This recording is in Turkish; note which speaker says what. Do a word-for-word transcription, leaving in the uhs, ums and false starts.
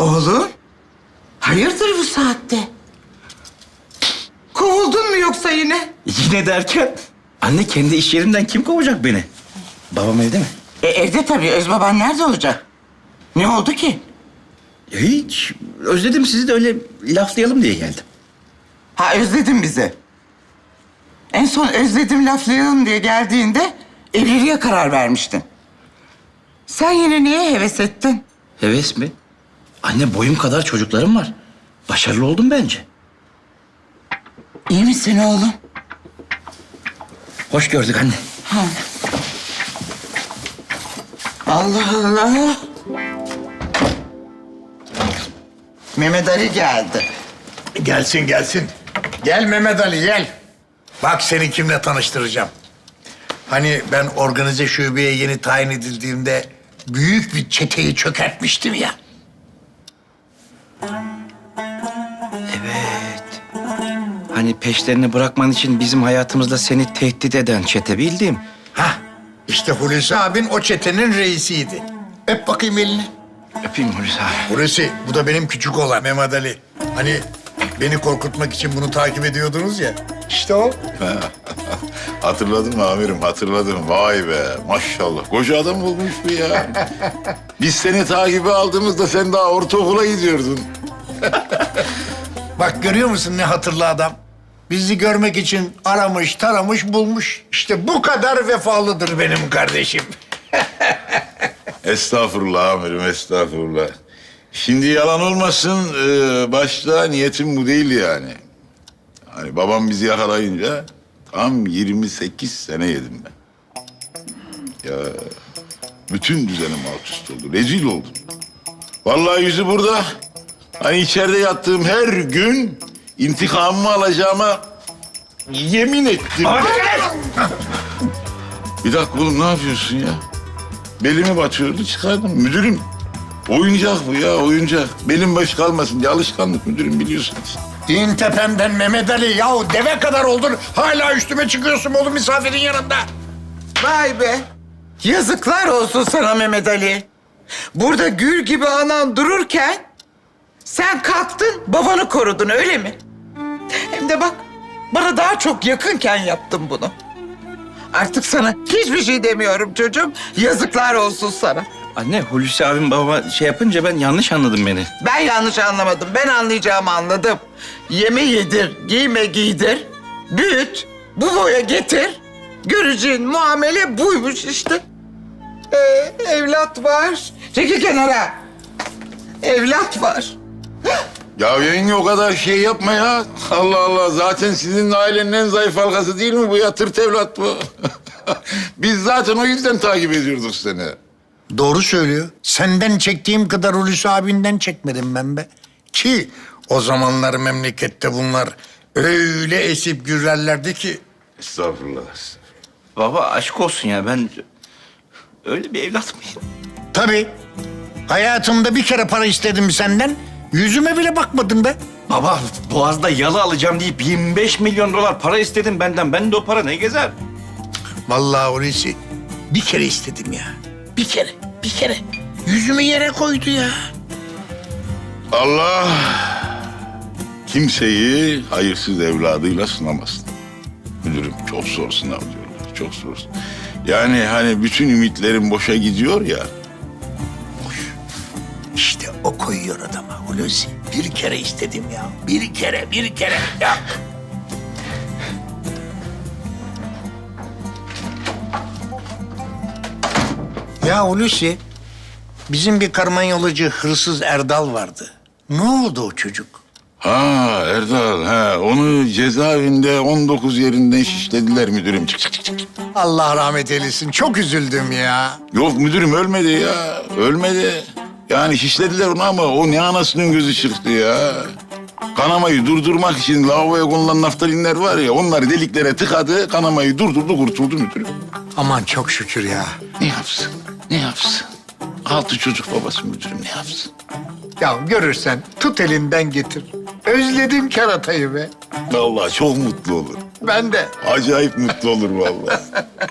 Speaker 1: Oğlum, hayırdır bu saatte? Kovuldun mu yoksa yine?
Speaker 2: Yine derken? Anne kendi iş yerimden kim kovacak beni? Babam evde mi?
Speaker 1: E, evde tabii. Özbaban nerede olacak? Ne oldu ki?
Speaker 2: Ya hiç. Özledim sizi de öyle laflayalım diye geldim.
Speaker 1: Ha, özledin bizi. En son özledim laflayalım diye geldiğinde evliliğe karar vermiştin. Sen yine niye heves ettin?
Speaker 2: Heves mi? Anne boyum kadar çocuklarım var. Başarılı oldum bence.
Speaker 1: İyi misin oğlum?
Speaker 2: Hoş gördük anne.
Speaker 1: Ha. Allah Allah. Mehmet Ali geldi.
Speaker 3: Gelsin gelsin. Gel Mehmet Ali gel. Bak seni kimle tanıştıracağım. Hani ben organize şubeye yeni tayin edildiğimde büyük bir çeteyi çökertmiştim ya.
Speaker 2: Evet. Hani peşlerini bırakman için bizim hayatımızda seni tehdit eden çete bildiğim.
Speaker 3: Hah işte Hulusi abin o çetenin reisiydi. Öp bakayım elini.
Speaker 2: Öpeyim Hulusi abi.
Speaker 3: Hulusi bu da benim küçük oğlan Mehmet Ali. Hani beni korkutmak için bunu takip ediyordunuz ya. İşte o.
Speaker 4: Hatırladım amirim, hatırladım. Vay be, maşallah. Koca adam olmuş bu ya. Biz seni takibe aldığımızda sen daha ortaokula gidiyordun.
Speaker 3: Bak görüyor musun ne hatırlı adam? Bizi görmek için aramış, taramış, bulmuş. İşte bu kadar vefalıdır benim kardeşim.
Speaker 4: Estağfurullah amirim, estağfurullah. Şimdi yalan olmasın, e, başta niyetim bu değil yani. Hani babam bizi yakalayınca tam yirmi sekiz sene yedim ben. Ya bütün düzenim alt üst oldu, rezil oldum. Vallahi yüzü burada. Hani içeride yattığım her gün intikamımı alacağıma yemin ettim. Bir dakika oğlum ne yapıyorsun ya? Belimi batıyordu çıkardım. Müdürüm oyuncak bu ya oyuncak. Belim baş kalmasın diye alışkanlık müdürüm biliyorsunuz.
Speaker 3: İn tepemden Mehmet Ali. Yahu deve kadar oldun. Hala üstüme çıkıyorsun oğlum misafirin yanında.
Speaker 1: Vay be. Yazıklar olsun sana Mehmet Ali. Burada gül gibi anan dururken sen kalktın babanı korudun öyle mi? Hem de bak bana daha çok yakınken yaptın bunu. Artık sana hiçbir şey demiyorum çocuğum. Yazıklar olsun sana.
Speaker 2: Anne Hulusi abim babama şey yapınca ben yanlış anladım beni.
Speaker 1: Ben yanlış anlamadım. Ben anlayacağımı anladım. Yeme yedir, giyme giydir, büyüt, bu boya getir. Göreceğin muamele buymuş işte. Ee, evlat var. Çekil kenara. Evlat var.
Speaker 4: Ya yenge o kadar şey yapma ya. Allah Allah zaten sizin ailenin en zayıf halkası değil mi bu ya? Tırt evlat bu. Biz zaten o yüzden takip ediyorduk seni.
Speaker 3: Doğru söylüyor. Senden çektiğim kadar Hulusi abinden çekmedim ben be. Ki o zamanlar memlekette bunlar öyle esip gürlerlerdi ki.
Speaker 4: Estağfurullah.
Speaker 2: Baba aşk olsun ya ben öyle bir evlat mıyım?
Speaker 3: Tabii. Hayatımda bir kere para istedim senden. Yüzüme bile bakmadın be.
Speaker 2: Baba Boğaz'da yalı alacağım deyip yirmi beş milyon dolar para istedin benden. Ben de o para ne gezer?
Speaker 3: Vallahi Hulusi bir kere istedim ya. Bir kere, bir kere. Yüzümü yere koydu ya.
Speaker 4: Allah kimseyi hayırsız evladıyla sınamasın. Müdürüm çok zor sınav diyorlar, çok zor. Yani hani bütün ümitlerim boşa gidiyor ya.
Speaker 3: Boş. İşte o koyuyor adama Hulusi. Bir kere istedim ya. Bir kere, bir kere. Ya. Ya Hulusi, bizim bir karmanyolacı hırsız Erdal vardı. Ne oldu o çocuk?
Speaker 4: Ha Erdal, ha onu cezaevinde on dokuz yerinden şişlediler müdürüm. Çık çık çık çık.
Speaker 3: Allah rahmet eylesin. Çok üzüldüm ya.
Speaker 4: Yok müdürüm ölmedi ya, ölmedi. Yani şişlediler onu ama o ne anasının gözü çıktı ya. Kanamayı durdurmak için lavaboya konulan naftalinler var ya, onları deliklere tıkadı, kanamayı durdurdu, kurtuldu müdürüm.
Speaker 3: Aman çok şükür ya.
Speaker 4: Ne yapsın, ne yapsın? Altı çocuk babası müdürüm, ne yapsın?
Speaker 3: Ya görürsen tut elinden getir. Özledim keratayı be.
Speaker 4: Vallahi çok mutlu olur.
Speaker 3: Ben de.
Speaker 4: Acayip mutlu olur vallahi.